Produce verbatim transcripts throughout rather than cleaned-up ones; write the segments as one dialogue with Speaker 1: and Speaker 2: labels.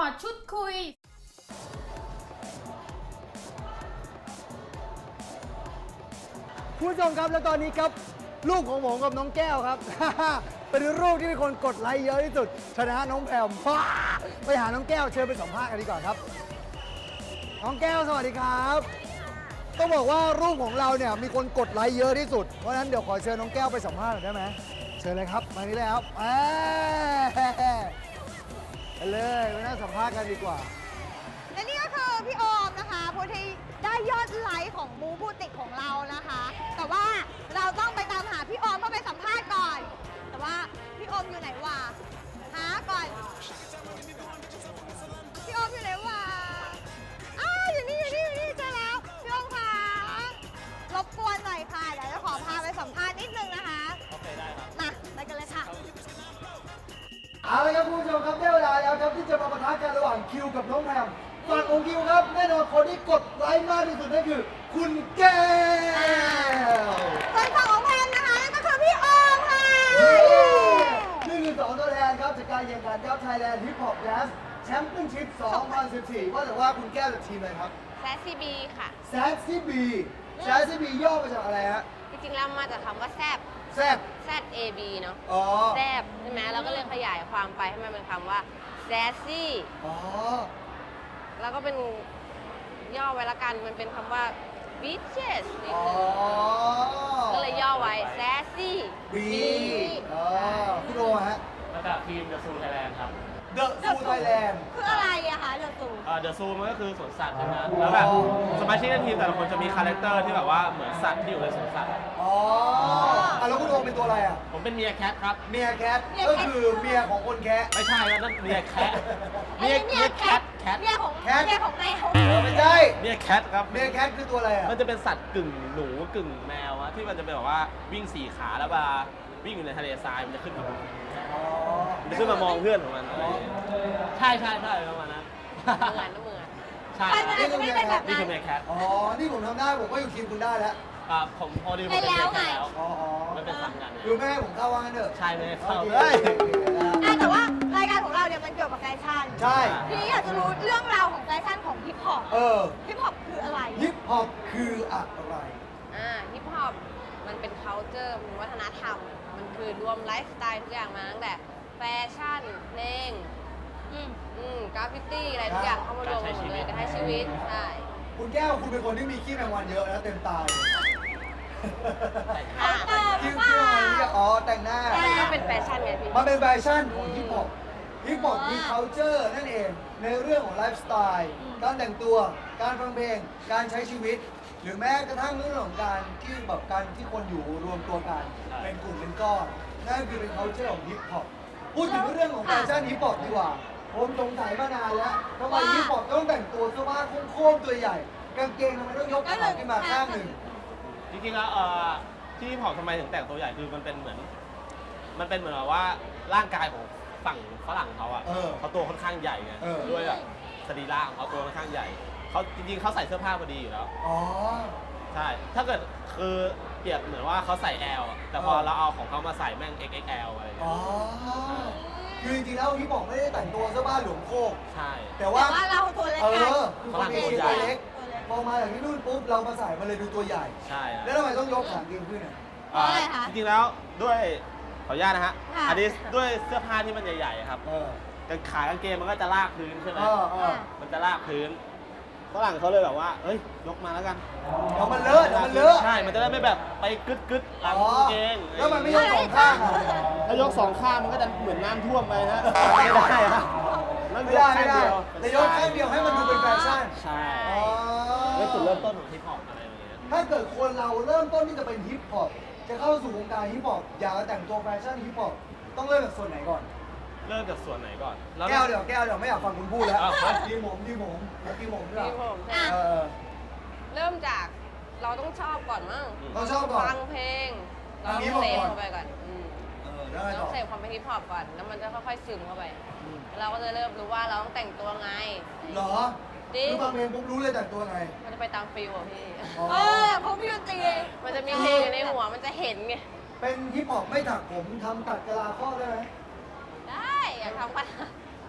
Speaker 1: อชุดคุย
Speaker 2: ผู้ชมครับและตอนนี้ครับลูกของผมกับน้องแก้วครับ เป็นรูปที่มีคนกดไลค์เยอะที่สุดชนะน้องแพมไปหาน้องแก้วเชิญไปสัมภาษณ์กันดีกว่าครับน้องแก้วสวัสดีครับต้องบอกว่ารูปของเราเนี่ยมีคนกดไลค์เยอะที่สุดเพราะฉะนั้นเดี๋ยวขอเชิญน้องแก้วไปสัมภาษณ์หน่อยได้ไหมเชิญเลยครับมานี่เลยครับไปเลยไปนั่งสัมภาษณ์กันดีกว่า
Speaker 3: และนี่ก็คือพี่โอมนะคะผู้ที่ได้ยอดไลค์ของบูบูติกของเรานะคะ แต่ว่าเราต้องไปตามหาพี่โอมเพื่อไปสัมภาษณ์ก่อน แต่ว่าพี่โอมอยู่ไหนวะหาก่อนพี่โอมอยู่ไหนวะอ้าวอยู่นี่อยู่นี่อยู่นี่เจอแล้วพี่โอมค่ะรบกวนหน่อยค่ะเดี๋ยวจะขอพาไปสัมภาษณ์นิดนึงนะคะโอเคได้ครับมาไปกันเลยค่ะ
Speaker 2: เอาละครับคุณผู้ชมครับได้เวลาแล้วครับที่จะมาปะทะกันระหว่างคิวกับน้องแพมฝั่งของคิวครับแน่นอนคนที่กดไลค์มากที่สุดนั่นคือคุณแก้ว
Speaker 3: ส่วนฝั่งของแพนนะคะนั่นก็คือพี่โอมค่ะ
Speaker 2: นี่คือสองตัวแทนครับจากการแข่งขันครับ Thailand Hip Hop Dance Championship สองพันสิบสี่ว่าแต่ว่าคุณแก้วจากทีมอะไรครับ
Speaker 4: แซสซีบีค่ะ
Speaker 2: Sassy B Sassy B ย่อมาจากอะไรฮะ
Speaker 4: จริงๆแล้วมาจากคำว่าแซบ
Speaker 2: แซ่บ
Speaker 4: แซด เอ บี เนาะ
Speaker 2: อ๋อ
Speaker 4: แซบใช่ไหมเราก็เลยขยายความไปให้มันเป็นคำว่าแซสซี่
Speaker 2: อ๋อ
Speaker 4: แล้วก็เป็นย่อไว้ละกัน มันเป็นคำว่า bitches นิด
Speaker 2: อ๋อ
Speaker 4: นึงก็เลยย่อไว้แซสซี่
Speaker 2: B อ๋อคุณโอฮะ
Speaker 5: มาจากทีมเดอะซูไทยแลนด์ครับ
Speaker 2: The Zoo Thailand
Speaker 3: คืออะไรอะคะเรือตู
Speaker 5: เดอะซูมันก็คือสวนสัตว์ใช่ไหมแล้วแบบสมาชิกในทีมแต่ละคนจะมีคาแรคเตอร์ที่แบบว่าเหมือนสัตว์ที่อยู่ในสวนสัตว์
Speaker 2: อ๋ออ่ะแล้วคุณโอเป็นตัวอะไรอ่ะ
Speaker 5: ผมเป็นเมียแคทครับ
Speaker 2: เมียแคทก็คือเมียของคนแคะ
Speaker 5: ไม่ใช่แล้วนั่นเมียแคท
Speaker 3: เมียเมียแคท
Speaker 5: แคท
Speaker 3: เมียของ
Speaker 2: แคท
Speaker 3: เมียของแมว
Speaker 2: เออไม่ใช่
Speaker 5: เมียแคทครับ
Speaker 2: เมียแคทคือตัวอะไรอ่ะ
Speaker 5: มันจะเป็นสัตว์กึ่งหนูกึ่งแมวอะที่มันจะเป็นแบบว่าวิ่งสี่ขาแล้วเวลาวิ่งอยู่ในทะเลทรายมันจะขึ้นมา
Speaker 2: อ๋อ
Speaker 5: มันจะขึ้นมามองเพื่อนของมันอะไรอย่างเงี้ยใช่ใช่ใช่ประมาณนั้น
Speaker 4: เหมือนเหมือน
Speaker 5: ใช่
Speaker 3: ใช่มันอาจจะไม่เป็นแบบ
Speaker 5: นี่
Speaker 3: นั้น
Speaker 5: คือเมียแคท
Speaker 2: อ๋อ นี่ผมทำได้ผมก็อยู่ทีมคุณได้แล้ว
Speaker 5: อ่าผมพอดีผม
Speaker 3: เป็น
Speaker 5: เป็น
Speaker 3: แล้
Speaker 5: เมี
Speaker 3: วย ไง
Speaker 5: แคทแล้ว
Speaker 2: อ๋ออ๋อ
Speaker 5: ไม่เป็นสัตว์กัน
Speaker 2: คือแม่ให้ผมเข้าว่างั้นเถอะ
Speaker 5: ใช่ไม่ได้เข้า
Speaker 2: โอค
Speaker 5: เฮ้ย
Speaker 3: อ่ะแต่ว่ารายการของเราเนี่ยมันเกี่ยวกับแฟชั่น
Speaker 2: ใช่
Speaker 3: ทีนี้อยากจะรู้เรื่องราวของแฟชั่นของฮิปฮอป
Speaker 2: เออ
Speaker 3: ฮิปฮอปคืออะไร
Speaker 2: ฮิปฮอปคืออะไร
Speaker 4: อ่าฮิปฮอปมันเป็น culture มันวัฒนธรรม มันคือรวมไลฟ์สไตล์ทุกอย่างมาตั้งแต่แฟชั่น เพลง
Speaker 3: อืม
Speaker 4: อืมกราฟฟิตี้อะไรทุกอย่างเข้ามารวมกันหมดเลยการใช้ชีวิต ใช่
Speaker 2: คุณแก้วคุณเป็นคนที่มีขี้แมงวันเยอะนะเต็มตาเลย
Speaker 3: อ่ะเติม
Speaker 2: คิ้ว
Speaker 3: ว่า
Speaker 2: คิ้วอะไรเนี่ยอ๋อแต่งหน้า
Speaker 4: มันก็เป็นแฟชั่นไงพี่
Speaker 2: มันเป็นแฟชั่นของฮิปฮอปฮิปฮอปคือ culture นั่นเองในเรื่องของไลฟ์สไตล์การแต่งตัวการฟังเพลงการใช้ชีวิต หรือแม้กระทั่งเรื่องของการที่แบบการที่คนอยู่รวมตัวกันเป็นกลุ่มเป็นก้อนนั่นคือเป็น culture ของฮิปฮอปพูดถึงเรื่องของแฟชั่นฮิปฮอปดีกว่าผมสงสัยมานานแล้วทำไมฮิปฮอปต้องแต่งตัวเสื้อผ้าโค้งๆตัวใหญ่กางเกงทำไมต้องยกขาขึ้นมาข้างหนึ่ง
Speaker 5: จริงๆแล้วเอ่อที่ผอมทำไมถึงแต่งตัวใหญ่คือมันเป็นเหมือน มันเป็นเหมือนแบบว่าร่างกายของฝั่งฝรั่งเขาอ่ะ
Speaker 2: เออ
Speaker 5: เขาตัวค่อนข้างใหญ่ไง
Speaker 2: เออ
Speaker 5: ด้วยแบบสรีระของเขาตัวค่อนข้างใหญ่เขาจริงๆเขาใส่เสื้อผ้าพอดีอยู่แล้ว
Speaker 2: อ๋อ
Speaker 5: ใช่ถ้าเกิดคือเปรียบเหมือนว่าเขาใส่ L อะแต่พอ
Speaker 2: เออ
Speaker 5: เราเอาของเขามาใส่แม่ง เอ็กซ์ เอ็กซ์ แอล อะไรอย่าง
Speaker 2: อ๋
Speaker 5: เงี้
Speaker 2: อย คือจริงๆแล้วฮิปฮอปไม่ได้แต่งตัวเสื้อผ้าหลวมโคก
Speaker 5: ใช่
Speaker 2: แต่
Speaker 3: แต่
Speaker 2: ว่า
Speaker 3: ว่าเราตัวเล็ก
Speaker 2: เอ
Speaker 3: กัน
Speaker 2: อคือคนเป็นคนตัวเล็ก
Speaker 3: ตัวเล็ก
Speaker 2: พอมาจากที่นู่นปุ๊บเรามาใส่มันเลยดูตัวใหญ่
Speaker 5: ใช่
Speaker 2: แล้วทำไมต้องยกขาเกงขึ้นอ่ะ
Speaker 3: เพราะอะไรคะ
Speaker 5: จริงๆแล้วด้วยขออนุญาตนะฮะ
Speaker 3: ค่ะ
Speaker 5: อันนี้ด้วยเสื้อผ้าที่มันใหญ่ๆครับ
Speaker 2: เออ
Speaker 5: กางขากางเกงมันก็จะลากพื้นใช่ไหม
Speaker 2: เออเออ
Speaker 5: มันจะลากพื้นฝรั่งเขาเลยแบบว่า เอ้ย ยกมาแล้วกัน
Speaker 2: เดี๋ยวมันเลอะเดี๋ยวมันเลอะ
Speaker 5: ใช่ มันจะได้ไม่แบบไปกึดกึดๆหลัง
Speaker 2: อ๋อก
Speaker 5: างเกง
Speaker 2: แล้วมันไม่ยกสองข้างอ่ะ
Speaker 5: ถ้ายกสองข้างมันก็จะเหมือนน้ำท่วมไปนะไม่ได้ฮะ
Speaker 2: ไม่ได้ไม่ได้แต่ยกข้างเดียวให้มันดูเป็นแฟชั่น
Speaker 5: ใช่
Speaker 2: อ๋อ
Speaker 5: เป็นจุดเริ่มต้นของฮิปฮอปอะไรอย่างเงี้ย
Speaker 2: ถ้าเกิดคนเราเริ่มต้นที่จะเป็นฮิปฮอปจะเข้าสู่วงการฮิปฮอปอยากจะแต่งตัวแฟชั่นฮิปฮอปต้องเริ่มจากส่วนไหนก่อน
Speaker 5: เริ่มจากส่วนไหนก่อน
Speaker 2: แก้วเดี๋ยวแก้วเดี๋ยวไม่อยากฟังคุณพูดแล้ว
Speaker 5: อ้าวครับ
Speaker 2: ทีมผมทีมผมแล้วทีมผมด้วย
Speaker 4: ที่ผมใช่ไหม
Speaker 2: เออ
Speaker 4: เริ่มจากเราต้องชอบก่อนมั้ง
Speaker 2: ต้องชอบก่อน
Speaker 4: ฟังเพลง เรา
Speaker 2: ฟัง
Speaker 4: ต้อง
Speaker 2: ฮิปฮอป
Speaker 4: เสพ
Speaker 2: ก่อน
Speaker 4: เข้าไปก่อนอืม
Speaker 2: เออได้
Speaker 4: เรา
Speaker 2: ต่
Speaker 4: ต้
Speaker 2: อ
Speaker 4: องเสพความเป็นฮิปฮอปก่อน แล้วมันจะค่อยๆซึมเข้าไป เราก็จะเริ่มรู้ว่าเราต้องแต่งตัวไง
Speaker 2: เหรอ
Speaker 4: จริง
Speaker 2: คือฟังเพลงปุ๊บรู้เลยแต่งตัวไง
Speaker 4: มันจะไปตามฟิลอะพี่
Speaker 2: อ๋อ
Speaker 3: เออเขาพี่ดนตรี
Speaker 4: มันจะมีเพลงอยู่ในหัว มันจะเห็นไง
Speaker 2: เป็นฮิปฮอปไม่ถักผมทำตัดกะลาข้อได้ไหม
Speaker 4: ได้อยากทำปัญหา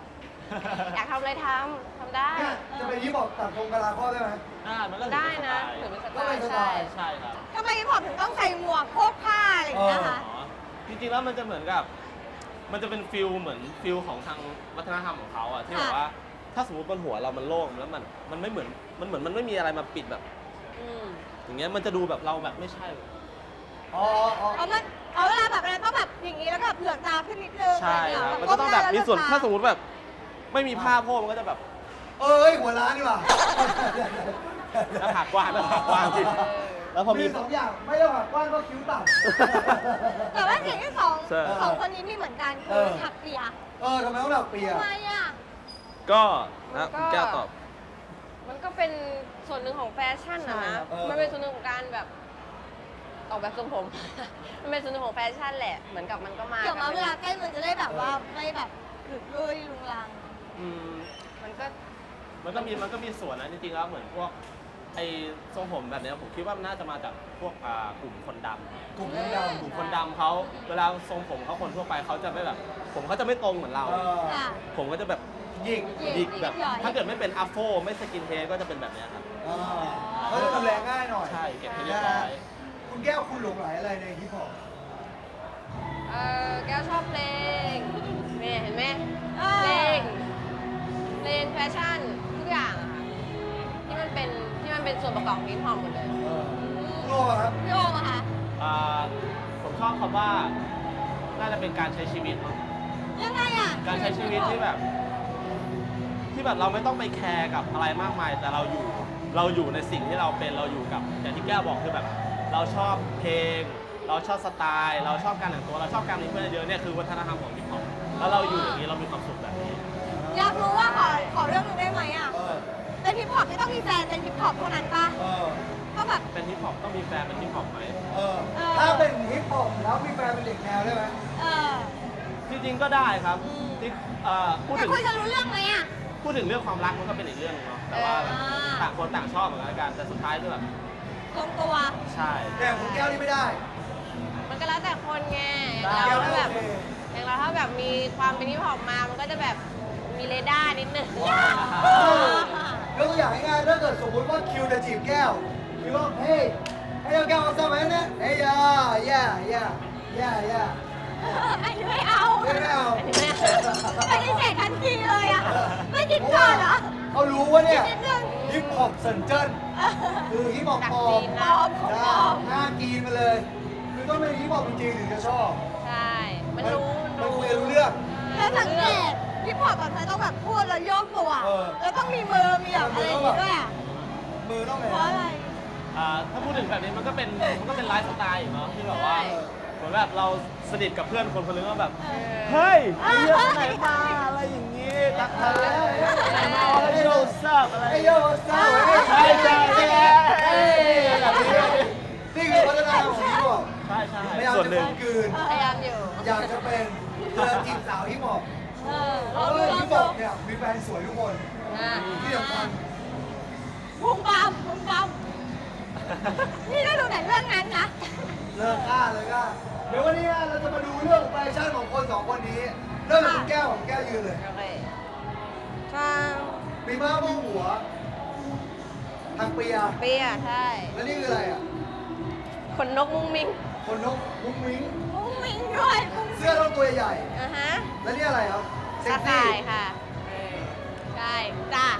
Speaker 4: อยากทำอะไรทำทำได้
Speaker 2: เนี่ยจะเป็นฮิปฮอปตัดตรงกะลาข้อได้ไหม
Speaker 5: ได้มันก็
Speaker 4: ได้นะ
Speaker 5: ถื
Speaker 4: ถื
Speaker 5: อ
Speaker 4: อ
Speaker 5: เป็
Speaker 4: เป็น น
Speaker 5: ส
Speaker 4: ส
Speaker 5: ไต
Speaker 4: ไต
Speaker 5: ล์
Speaker 4: ล์
Speaker 5: ใช่
Speaker 4: ใช่
Speaker 5: ใช่ครับ
Speaker 3: ทำไมพี่พอถึงต้องใส่หมวกโพกผ้าอะไรอย่างเงี้ยคะ
Speaker 5: อ๋อจริงๆแล้วมันจะเหมือนกับ มันจะเป็นฟิลเหมือนฟิลของทางวัฒนธรรมของเขาอะที่แบบว่า ถ้าสมมติบนหัวเรามันโล่งแล้วมันมันไม่เหมือนมันเหมือนมันไม่มีอะไรมาปิดแบบ
Speaker 4: อืม
Speaker 5: อย่างเงี้ยมันจะดูแบบเราแบบไม่ใช่
Speaker 2: อ๋ออ๋อ
Speaker 3: เอามันเอาเวลาแบบอะไรต้องแบบอย่างนี้แล้วก็แบบเหลือกตาขึ้นนิดนึง
Speaker 5: ใช่
Speaker 3: ะไร
Speaker 5: ครับ
Speaker 3: ย่าเย
Speaker 5: มันก็ต้องแบบมีส่วน
Speaker 3: ก้ห
Speaker 5: ถ้าสมมติแบบ ไม่มีผ้าโพกมันก็จะแบบ
Speaker 2: เอ้ยหัวล้านดีกว่า
Speaker 5: หน้าผากกว้างหน้าผากกว้างจริงแล้วพอมี
Speaker 2: มีสองอย่างไม่ต้องหักกว้างก็คิ้วต่ำ
Speaker 3: แต่ว่าสิ่งที่สอง
Speaker 5: ใช่
Speaker 3: สองคนนี้มีเหมือนกัน
Speaker 2: เอ
Speaker 3: คือ
Speaker 2: อ
Speaker 3: ถักเปีย
Speaker 2: เออทำไมต้องหนักเปีย
Speaker 3: ทำไมอ่ะ
Speaker 5: ก็นะคุณแก้วตอบ
Speaker 4: มันก็เป็นส่วนหนึ่งของแฟชั่นนะ
Speaker 5: ใช่
Speaker 4: นะครับ
Speaker 2: เออ
Speaker 4: มันเป็นส่วนหนึ่งของการแบบออกแบบทรงผม มันเป็นส่วนหนึ่งของแฟชั่นแหละ เหมือนกับมันก็มา
Speaker 3: เกี่ยวกับเวลา
Speaker 4: กับ
Speaker 3: เต้นมันจะได้แบบว่าไม่แบบหลุดลุยลุงลัง
Speaker 5: อืม
Speaker 4: มันก็
Speaker 5: มันก็มีมันก็มีส่วนนะจริงๆแล้วเหมือนพวกไอ้ทรงผมแบบเนี้ยผมคิดว่ามันน่าจะมาจากพวกอ่ากลุ่มคนดำ
Speaker 2: กลุ่มคนดำ
Speaker 5: กลุ่มคนดำเขาเวลาทรงผมเขาคนทั่วไปเขาจะไม่แบบ ผมเขาจะไม่ตรงเหมือนเรา
Speaker 2: เออ
Speaker 3: ค่ะ
Speaker 5: ผมก็จะแบบ
Speaker 2: หยิก
Speaker 3: หยิก
Speaker 5: หยิกแบบ
Speaker 3: หย่อย
Speaker 5: ถ้าเกิดไม่เป็นอัฟโฟไม่สกินเฮดก็จะเป็นแบบเนี้ยครับ
Speaker 2: อ่าเขาจะดูแลง่ายหน่อย
Speaker 5: ใช่เก็บให้เรียบร้อย
Speaker 2: คุณแก้วคุณหลงไหลอะไรในฮิปฮอป
Speaker 4: เออแก้วชอบเพลงเนี่ยเห็นไหม
Speaker 3: เออ
Speaker 4: เพลง เพลงแฟชั่นทุกอย่างอะค่ะที่มันเป็นที่มันเป็นส่วนประกอบของฮิปฮอปหมดเลย
Speaker 2: เออคุณโลครับ
Speaker 3: พี่โอมอะคะ
Speaker 5: อ่าผมชอบคำว่าน่าจะเป็นการใช้ชีวิตมั้ง
Speaker 3: ยังไงอ่ะ
Speaker 5: การใช้ชีวิตที่แบบ ที่แบบเราไม่ต้องไปแคร์กับอะไรมากมาย แต่เราอยู่เราอยู่ในสิ่งที่เราเป็นเราอยู่กับอย่างที่แก้วบอกคือแบบ เราชอบเพลง เราชอบสไตล์ เราชอบการแต่งตัวเราชอบการมีเพื่อนเยอะเนี่ยคือวัฒนธรรมของฮิปฮอปแล้วเราอยู่อย่างนี้เรามีความสุขแบบนี้
Speaker 3: อยากรู้ว่าขอขอเรื่องหนึงได้ไหมอ่ะ
Speaker 2: เออ
Speaker 3: เป็นฮิปฮอปที่ต้องมีแฟนเป็นฮิปฮอปเท่านั้นปะ
Speaker 2: เออ
Speaker 3: ก็แบบ
Speaker 5: เป็นฮิปฮอปต้องมีแฟนเป็นฮิปฮอปไหม
Speaker 2: เออ
Speaker 3: เออ
Speaker 2: ถ้าเป็นฮิปฮอปแล้วมีแฟนเป็นเด็กแนวได้ไหม
Speaker 3: เออ
Speaker 5: จริงๆก็ได้ครับที่เอ่อพูด
Speaker 3: แต่
Speaker 5: ถึง
Speaker 3: คุยจะรู้เรื่องไหมอ่ะ
Speaker 5: พูดถึงเรื่องความรักมันก็เป็นอีกเรื่องนึงเนาะแต่ว่า
Speaker 3: อ่า
Speaker 5: ต่างคนต่างชอบเหมือนกันแต่สุดท้ายก็แบบ
Speaker 3: ลงตัว
Speaker 5: ใช่
Speaker 2: แต่คุณแก้วนี่ไม่ได้
Speaker 4: มันก็แล้วแต่คนไง
Speaker 5: ได้
Speaker 4: อย่างเรา
Speaker 2: แก้ว
Speaker 4: ถ้า
Speaker 2: ไม่
Speaker 4: แบ
Speaker 2: โอบ เค
Speaker 4: อย่างเราถ้าแบบมีความเป็นฮิปฮอปมา มันก็จะแบบมีเรดาร์นิดนึง
Speaker 2: เออยกตัวอย่างง่ายๆถ้าเกิดสมมติว่าคิวจะจีบแก้วคิวว่าเฮ้ยให้เราแก้วเอาสมัยนะเฮ้ยย่าย่าย่าย่าย่า
Speaker 3: อันนี้ไม่เอา
Speaker 2: ไม่เอา
Speaker 3: ปฏิเสธทันทีเลยอ่ะ ไม่คิดก่อนเหรอ
Speaker 2: เขารู้ว่าเนี่ย
Speaker 3: นิดนึง
Speaker 2: ฮิปฮอปเซนเจิ้นคือฮิปฮอป
Speaker 4: จาก
Speaker 2: ปลอ
Speaker 4: จี
Speaker 2: ม
Speaker 4: น
Speaker 3: ปล
Speaker 4: นะ
Speaker 3: อมของปลอม
Speaker 2: หน้ากีนมาเลย คือต้องเป็นฮิปฮอปจริงๆถึงจะชอบ
Speaker 4: ใช่ มันรู้
Speaker 2: มันคุยกันรู้เรื่อง
Speaker 3: แล้วสังเกตฮิปฮอปแบบไหนต้องแบบพูดแล้วโยกตัว
Speaker 2: เออ
Speaker 3: แล้วต้องมีมือ มีแบบอะไรอย่างงี้ด้วยอ่ะ
Speaker 2: มือต้องไง
Speaker 3: เพราะอะไร
Speaker 5: อ่าถ้าพูดถึงแบบนี้มันก็เป็นมันก็เป็นไลฟ์สไตล์อยู่เนาะที่แบบว่าเหมือนแบบเราสนิทกับเพื่อนคนคนนึงก็แบบ
Speaker 3: เออ
Speaker 5: เฮ้ยไอ้เรื่องไหนมาอะไรอย่างงี้ตักทะเลไหนมาอะไรโยซับอะไร
Speaker 2: ไอ้โยสาว
Speaker 5: ใช่ใช่ใช่
Speaker 2: เอ้ยแบบนี้นี่คือวัฒนธรรมของฮิปฮอป
Speaker 5: ใช่ใช่
Speaker 2: พยายาม
Speaker 5: ส่วน
Speaker 2: จะ
Speaker 5: หนึ่ง
Speaker 2: กลืน
Speaker 4: พยายามอยู่
Speaker 2: อยากจะเป็นเรือจีบสาวฮิปฮอป
Speaker 3: เออ
Speaker 2: เพ
Speaker 3: ลอง
Speaker 2: ราะ
Speaker 3: ดู
Speaker 2: ว่า
Speaker 3: ลอ
Speaker 2: ฮิ
Speaker 3: ง
Speaker 2: ปฮ
Speaker 3: ดู
Speaker 2: อปเนี่ยมีแฟนสวยทุกคน
Speaker 4: อ่า
Speaker 2: ที่สำคัญ
Speaker 3: พุงปั๊มพุงปั๊มนี่ได้ดูไหนเรื่องนั้นนะ
Speaker 2: เลิกกล้าเลยกล้าเดี๋ยววันนี้เราจะมาดูเรื่องแฟชั่นของคนสองคนนี้ เริ่มจากคุณแก้วของแก้วยืนเลย
Speaker 4: โอเคช่าง
Speaker 2: มีม้าโมงหัวทางเปีย
Speaker 4: เปียใช่
Speaker 2: แล้วนี่คืออะไรอ่ะ
Speaker 4: ขนนกมุ้งมิ้ง
Speaker 2: คนนกมุ้งมิ้ง
Speaker 3: มุ้งมิ้งด้วยมุ้ง
Speaker 2: เสื้อต้องตัวใหญ่
Speaker 4: อ่ะฮะ
Speaker 2: แล้วนี่อะไรครับเซ็
Speaker 4: ตาก
Speaker 2: ซี่
Speaker 4: ข่ายค่ะเออใช่จ้า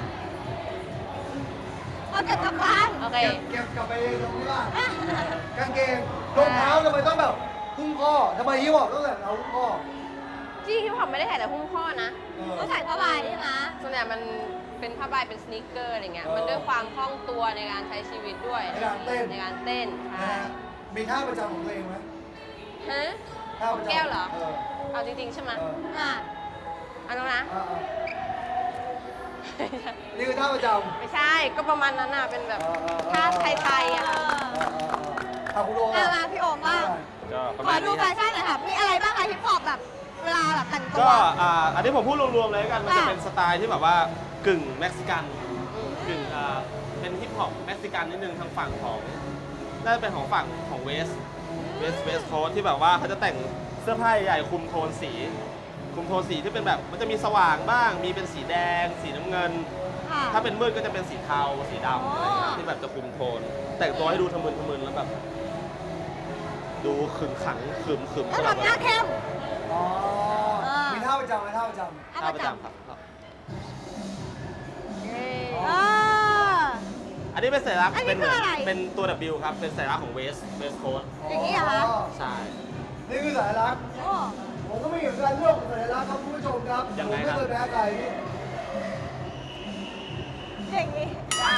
Speaker 3: เอาเก็บกลับบ้าน
Speaker 4: โอเค
Speaker 2: เก็บเก็บกลับไปตรงที่บ้านกางเกงรองเท้าทำไมต้องแบบหุ้มข้อทำไมฮิปฮอปต้องแบบเอาหุ้มข้อ
Speaker 4: ที่ฮิปฮอปไม่ได้ใส่แต่หุ้มข้อนะ
Speaker 2: เออ
Speaker 3: ก็ใส่ผ้าใบใช่ไหม
Speaker 4: ส่วนใหญ่มันเป็นผ้าใบเป็นสนิกเกอร์อะไรเงี้ย
Speaker 2: เออ
Speaker 4: มันด้วยความคล่องตัวในการใช้ชีวิตด้วย
Speaker 2: ในการเต้น
Speaker 4: ในการเต้น
Speaker 2: นะ
Speaker 4: ใช่
Speaker 2: ฮะมีท่าประจำของตัวเองไหม
Speaker 4: ฮะ
Speaker 2: ท่าประจำ
Speaker 4: แก้วเหรอ
Speaker 2: เออ
Speaker 4: เอาจริงๆใช่ไหม
Speaker 2: เออ
Speaker 3: อ่ะ
Speaker 4: เอันนั้นนะ
Speaker 2: อ่าอ่านี่คือท่าประจำ
Speaker 4: ไม่ใช่ ก็ประมาณนั้นน่ะ เป็นแบบ
Speaker 2: เออเออเออ
Speaker 4: ท่าไทยๆอ่ะ
Speaker 3: เออ
Speaker 2: อ่าคุณโด
Speaker 3: อ่ะมาพี่โอมบ้าง
Speaker 5: ก็ประ
Speaker 3: ข
Speaker 5: มา
Speaker 3: อ
Speaker 5: ณ
Speaker 3: ดู
Speaker 5: นี้
Speaker 3: แฟ
Speaker 5: ครับ
Speaker 3: ชั่นหน่อยค่ะ มีอะไรบ้างคะฮิปฮอปแบบเวลาแบบแต่งตัว
Speaker 5: ก็อ่าอันนี้ผมพูดรวมๆเลยแล้วกันมันจะ
Speaker 3: ค่ะ
Speaker 5: เป็นสไตล์ที่แบบว่ากึ่งเม็กซิกันกึ่งอ่าเป็นฮิปฮอปเม็กซิกันนิดนึงทางฝั่งของน่าจะเป็นของฝั่งของเวสเวสเวสโคสที่แบบว่าเขาจะแต่งเสื้อผ้าใหญ่ๆคลุมโทนสีคุมโทนสีที่เป็นแบบมันจะมีสว่างบ้าง มีเป็นสีแดง สีน้ำเงิน
Speaker 3: ค่ะ
Speaker 5: ถ้าเป็นมืดก็จะเป็นสีเทาสีดำ
Speaker 3: อ๋ออ
Speaker 5: อะไรเงี้ยที่แบบจะคุมโทน แต่งตัวให้ดูทะมึนทะมึนแล้วแบบ ดูขึงขังขึมขึม
Speaker 3: แล้วทำหน้าเข้ม
Speaker 2: อ๋อ
Speaker 3: อ่ามี
Speaker 2: มีท่าประจำไหมท่าประจ
Speaker 3: ท่า
Speaker 5: ท่า
Speaker 3: ป
Speaker 5: ประ ระ
Speaker 3: จ
Speaker 5: จำครับครับ
Speaker 3: ำอ่า
Speaker 5: อันนี้เป็นสัญลักษณ์
Speaker 3: อันนี้
Speaker 5: เป็นเหมือน
Speaker 3: คืออะไร
Speaker 5: เป็นตัว W ครับ เป็นสัญลักษณ์ของเวสเวสโค้ด
Speaker 2: ำ
Speaker 3: อย่างนี้เหรอคะ
Speaker 5: ใช่
Speaker 2: นี่คือสัญลักษณ์
Speaker 3: โอ้
Speaker 2: ผมก็ไม่เห็นการเลือกของสัญลักษณ์ครับคุณผู้ชมครับ
Speaker 5: ยัง
Speaker 2: ผม
Speaker 5: ไง
Speaker 2: ไม่
Speaker 5: ครับ
Speaker 2: เคยแพ้ใครพี่
Speaker 3: อย่างนี้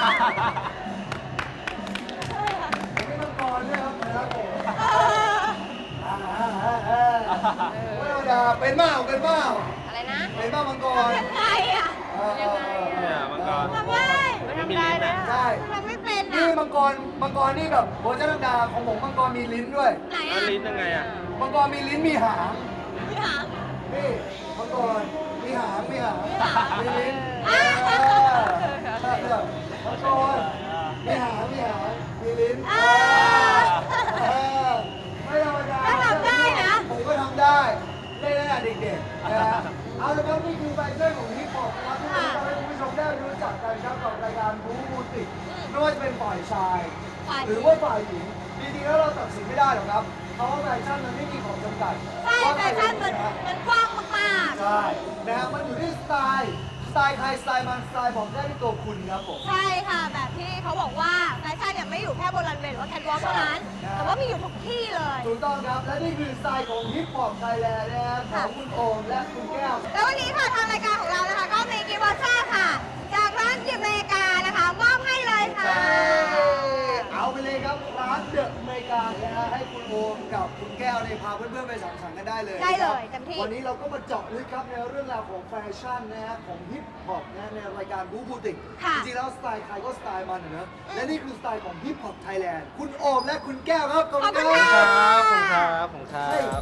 Speaker 2: ผมไม่มังกรด้วยครับสัญลักษณ์ผม
Speaker 3: เออ
Speaker 2: อ่าอ่าอ่าอ่าไม่ธรรมดาเป็นเปล่าเป็นเปล่า
Speaker 4: อะไรนะ
Speaker 2: เป็นเปล่ามังกร
Speaker 3: ยังไงอ่ะ
Speaker 2: เออ
Speaker 4: ยังไงอะ
Speaker 5: เนี่ยมังกร
Speaker 3: ทำได้
Speaker 5: ไม่มีลิ้นนะ
Speaker 2: ใช่
Speaker 3: ทำไม่เป็น
Speaker 2: นี่
Speaker 3: อ่ะ
Speaker 2: มังกรมังกรนี่แบบโบราณดาของผมมังกรมีลิ้นด้วย
Speaker 3: ไหน
Speaker 5: แล้ว
Speaker 3: อ่ะ
Speaker 5: ลิ้นยังไงอ่ะ
Speaker 2: มังกรมีลิ้นมีหาง
Speaker 3: พี่หาง
Speaker 2: นี่มังกรมีหางมีหาง
Speaker 3: มีหาง
Speaker 2: มีลิ้น
Speaker 3: อ่า
Speaker 2: เออใช่ครับมังกรมีหางมีหางมีลิ้น
Speaker 3: อ่า
Speaker 2: เออไม่ธรรมดา
Speaker 3: ก็ทำได้นะ
Speaker 2: ผมก็ทำได้เล่นตั้งแต่เด็กๆนะฮะเอาละครับนี่คือแฟชั่นของฮิปฮอปนะครับที่ผมจะให้คุณผู้ชมได้รู้จักกันครับกับรายการบูบูติกไม่ว่าจะเป็นฝ่ายชาย
Speaker 3: ฝ่ายหญิง
Speaker 2: หรือว่าฝ่ายหญิงจริงๆแล้วเราตัดสินไม่ได้หรอกครับเพราะว่าแฟชั่นมันไม่มีของจำกัด
Speaker 3: ใช่แฟชั่นมันมันกว้างมาก
Speaker 2: ใช่นะฮะมันอยู่ที่สไตล์สไตล์ใครสไตล์มันสไตล์บอกได้ที่ตัวคุณครับผม
Speaker 3: ๆ ใช่ค่ะ แบบที่เขาบอกว่าแฟชั่นเนี่ยไม่อยู่แค่บนรันเวย์หรือว่าแคทวอล์กเท่านั้น
Speaker 2: ใช่
Speaker 3: แต่ว่ามีอยู่ทุกที่เลย
Speaker 2: ถูกต้องครับ และนี่คือสไตล์ของฮิปฮอปไทยแลนด์นะครับของคุณโอมและคุณแก้ว
Speaker 3: แล้ววันนี้ค่ะทางรายการของเรานะคะ ก็มีกิฟต์วอเชอร์ค่ะ จากร้านกิฟต์อเมริกานะคะมอบให้เลยค่ะ
Speaker 2: เอาไปเลยครับร้านเดอะอเมริกานะฮะให้คุณโอมกับคุณแก้วเนี่ยพาเพื่อนๆไปสังสรรค์กันได้เลย
Speaker 3: ได้เลย
Speaker 2: นะครับ
Speaker 3: เต็มที่
Speaker 2: วันนี้เราก็มาเจาะลึกครับในเรื่องราวของแฟชั่นนะฮะของฮิปฮอปนะฮะในรายการบูบูติก
Speaker 3: ค่ะ
Speaker 2: จริงๆแล้วสไตล์ใครก็สไตล์มันอะเนอะและนี่คือสไตล์ของฮิปฮอปไทยแลนด์คุณโอมและคุณแก้วครับขอบคุณ
Speaker 3: ขอบคุณ
Speaker 2: ค
Speaker 3: ค่ะ
Speaker 2: รับ
Speaker 5: ขอบคุณครับขอบคุณครับ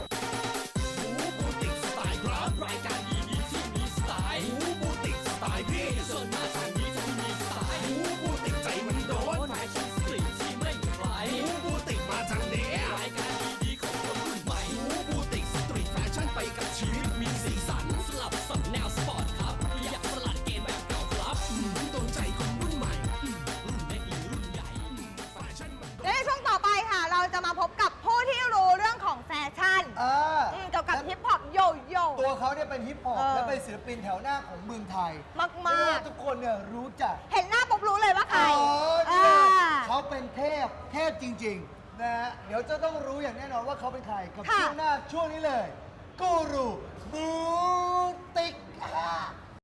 Speaker 3: และในช่วงต่อไปค่ะ เราจะมาพบกับผู้ที่รู้เรื่องของแฟชั่น
Speaker 2: อ่า
Speaker 3: อืมเกี่ยวกับฮิปฮอปโยโย่
Speaker 2: ตัวเขาเนี่ยเป็นฮิปฮอป
Speaker 3: เออ
Speaker 2: และเป็นศิลปินแถวหน้าของเมืองไทย
Speaker 3: มาก
Speaker 2: เรียก
Speaker 3: ๆ
Speaker 2: ว่าทุกคนเนี่ยรู้จัก
Speaker 3: เห็นหน้าปุ๊บรู้เลยว่าใคร
Speaker 2: อ๋อ
Speaker 3: อ่า
Speaker 2: ใช่เขาเป็นเทพ เทพจริงๆนะฮะ เดี๋ยวจะต้องรู้อย่างแน่นอนว่าเขาเป็นใคร กับ
Speaker 3: ค่ะ
Speaker 2: ช่วงหน้าช่วงนี้เลย กูรูบูติกอ่า